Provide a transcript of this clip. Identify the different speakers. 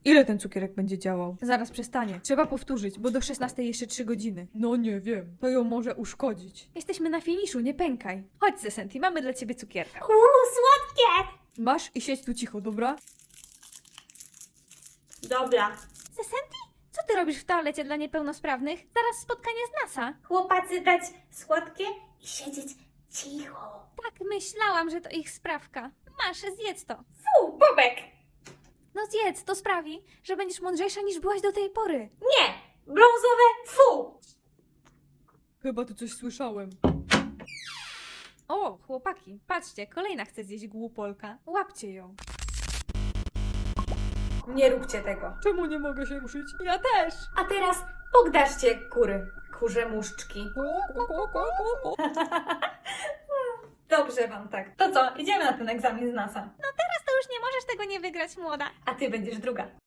Speaker 1: Ile ten cukierek będzie działał? Zaraz przestanie. Trzeba powtórzyć, bo do 16 jeszcze 3 godziny. No nie wiem, to ją może uszkodzić. Jesteśmy na finiszu, nie pękaj. Chodź, Sesenti, mamy dla ciebie cukierka.
Speaker 2: Słodkie!
Speaker 1: Masz i siedź tu cicho, dobra?
Speaker 2: Dobra.
Speaker 3: Sesenti? Co ty robisz w toalecie dla niepełnosprawnych? Zaraz spotkanie z NASA.
Speaker 2: Chłopacy dać słodkie i siedzieć cicho.
Speaker 3: Tak, myślałam, że to ich sprawka. Masz, zjedz to.
Speaker 2: Fu, Bobek!
Speaker 3: No zjedz, to sprawi, że będziesz mądrzejsza niż byłaś do tej pory.
Speaker 2: Nie! Brązowe, fu!
Speaker 1: Chyba tu coś słyszałem.
Speaker 3: O, chłopaki, patrzcie, kolejna chce zjeść głupolka. Łapcie ją.
Speaker 2: Nie róbcie tego.
Speaker 1: Czemu nie mogę się ruszyć? Ja też!
Speaker 2: A teraz pogdarzcie kury, kurze muszczki. Dobrze wam tak. To co, idziemy na ten egzamin z NASA.
Speaker 3: Teraz to już nie możesz tego nie wygrać, młoda.
Speaker 2: A ty będziesz druga.